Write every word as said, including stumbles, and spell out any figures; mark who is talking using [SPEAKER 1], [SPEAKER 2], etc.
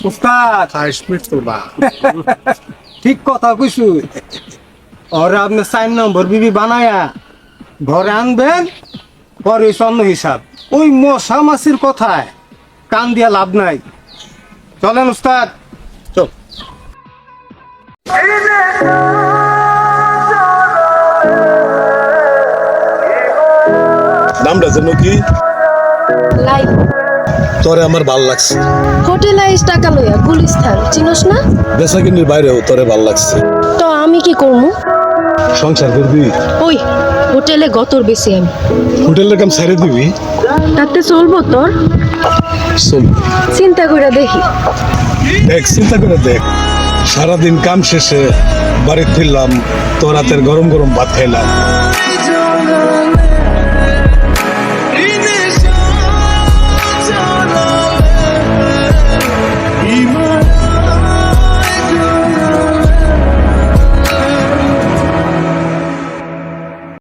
[SPEAKER 1] উস্তাদ
[SPEAKER 2] কাশ্মীর তো বা
[SPEAKER 1] ঠিক কথা কইছু। ওরে আপনি চার নম্বর বিবি বানায়া ঘরে আনবেন, পরে স্বর্ণ হিসাব। ওই মশা মাছির কথায় কান দিয়া লাভ নাই। চলেন উস্তাদ।
[SPEAKER 2] চল। নামটা যেন কি?
[SPEAKER 3] লাই
[SPEAKER 2] তোরে আমার ভাল লাগছে।
[SPEAKER 3] হোটেল আইস টাকা লইয়া গুলিস্তান চিনস না?
[SPEAKER 2] বেচা কিনির বাইরেও তোরে ভাল লাগছে।
[SPEAKER 3] তো আমি কি করবো?
[SPEAKER 2] সংসার করবি?
[SPEAKER 3] ওই হোটেলে গতর বেশি আমি।
[SPEAKER 2] হোটেলের কাম ছেড়ে দিবি?
[SPEAKER 3] তাতে চলবো তোর?
[SPEAKER 2] চল।
[SPEAKER 3] চিন্তা করে দেখি।
[SPEAKER 2] দেখ, চিন্তা করে দেখ, সারাদিন কাম শেষে বাড়ি ফিরলাম, তোর রাতের গরম গরম ভাত খাইলাম,